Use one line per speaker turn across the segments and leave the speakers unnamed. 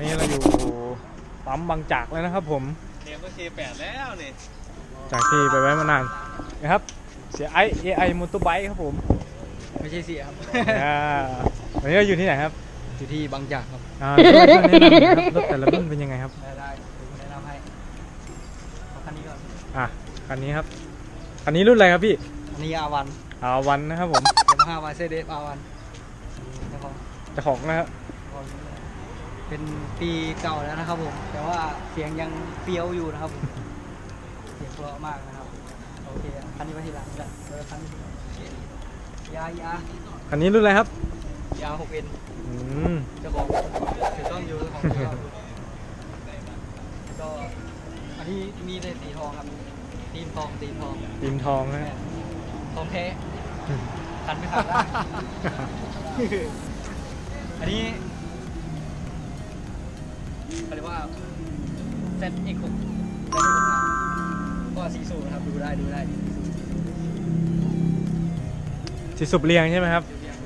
นี้เราอยู่ปั๊มบางจากแล้วนะครับผม
เนี่ยก็K8แล้วนี่
จากที่ไปไว้มานานนะครับเสียไอ AI มอเตอร์ไบค์ครับผม
ไม่ใช่เสียครับ
วันนี้เราอยู่ที่ไหนครับ
อยู่ที่บางจากครับ
ช่วยแนะนำหน่อยครับรถแต่ละรุ่นเป็นยังไงครับ
ได้แนะนำให้คันนี้ก่อน
คันนี้ครับคันนี้รุ่นอะไรครับพี่
อันนี้R1
นะครับผม
Yamaha Mercedes R1
เจ้าของนะครับ
เป็นปีเก่าแล้วนะครับผมแต่ว่าเสียงยังเฟี้ยวอยู่นะครับผมเสียงเพราะมากนะครับโอเคคันนี้ไว้ทีหลังจะคันนี้
คันนี้รุ่นอะไรครับ
ยา 6N เจ้าของถือต้องอยู่ของก็อันนี้มีแต่สีทองครับตีมทอง
นะ
ทองแท้คันไม่ขาดได้อันนี้เขาเรียกว่า ZX6 ก็สีสูงนะครับดูได้
สีสูบเรียงใช่ไหมครับ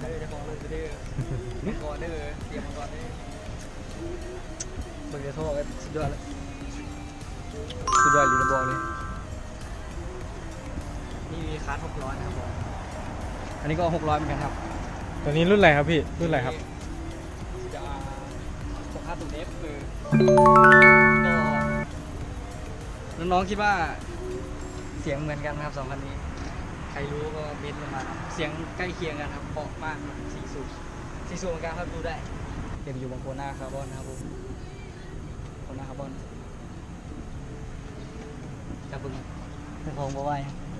มังกรเด้อเตรียมมังกรได้เบิร์ดโทรกันสุดยอดเลยหรือบอกเลยนี่มีคาร์ด600นะครับผมอันนี้ก็600เหมือนกันครับ
ตัวนี้รุ่นอะไรครับพี่รุ่นอะไรครับ
จะคาร์ดตูเอฟคือก็น้องๆคิดว่าเสียงเหมือนกันครับ2คันนี้ใครรู้ก็เม้นต์มาเสียงใกล้เคียงกันครับเพราะมากสีสูบเหมือนกันครับดูได้เต็มอยู่บนโคน่าคาร์บอนนะครับผมโคน่าคาร์บอนจะบึงทองบ่ไหว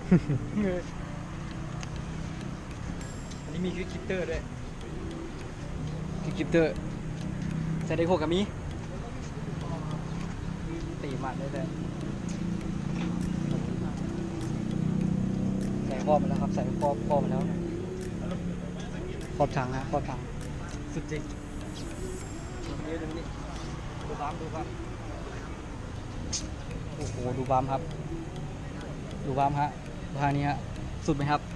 อันนี้มีคลิปเตอร์ด้วยคลิปเตอร์จะได้โคกับมีตีมันได้เลยใส่ครอบมาแล้วครับใส่ครอบมาแล้วครอบถังนะครอบถังสุดจริงดูบัมโอ้โหดูบัมครับฮะทางนี้ฮะสุดไหมครับ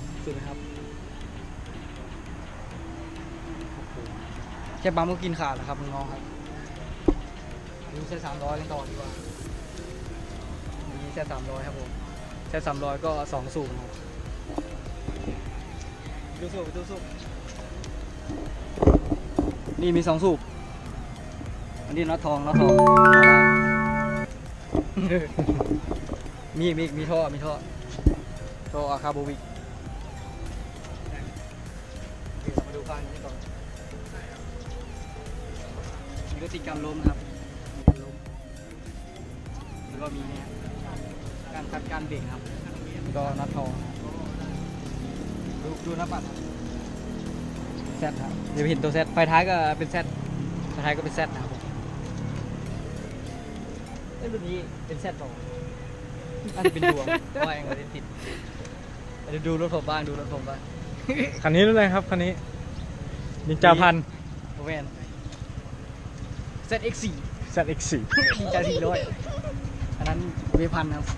แค่บัมก็กินขาดแล้วครับน้องๆครับดูเซต300กันต่อดีกว่านี่เซต300ครับผมเซต300ก็2สูบครับดูสูบนี่มี2สูบอันนี้น็อตทองมีท่ออาคาโบวิกเดี๋ยวมาดูฟังนี้ก่อนมีก็ติดกำล้มครับแล้วก็มีเนี่ยการคัดการเบรกครับก็น็อตทองดูหน้าปัดแซดครับเดี๋ยวเห็นตัวแซดไฟท้ายก็เป็นแซดนะครับรุ่นนี้เป็นแซดต่อน่าจะเป็นดวงว่าเองก็ได้ติดเดี๋ยวดูรถผมบ้าง
คันนี้รุ่นอะไรครับคันนี้นินจาพัน
โอเวน ZX4 นินจา400อันนั้นเวพันครับ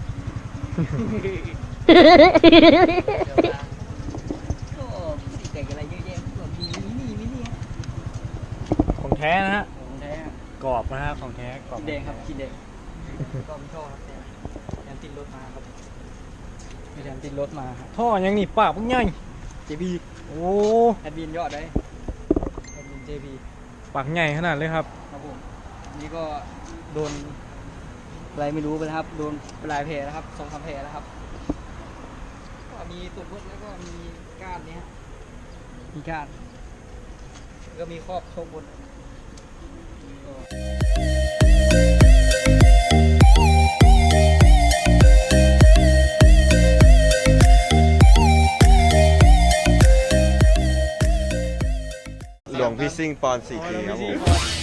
ก็สีแต่งอะไรเยอะแยะแบบมีมินิ
ของแท้นะฮะกรอบนะฮะของแท้กรอบ
แดงครับกินแดงก็มีท่อครับแถมติดรถมาครับมีแถมติดรถมาครับ
ท่อยังนี่ปากพุ่งใหญ่
JB
โอ้
แอดมินยอดได้แอดมิน JB
ปากใหญ่ขนาดเลยครับ
ผมนี่ก็โดนอะไรไม่รู้ไปนะครับโดนลายแผลนะครับ2-3 แผลแล้วครับก็มีตุ่มรถแล้วก็มีก้านนี้มีก้านก็มีครอบโชคบน
หลวงพี่ซิ่งปอน 4K ครับผม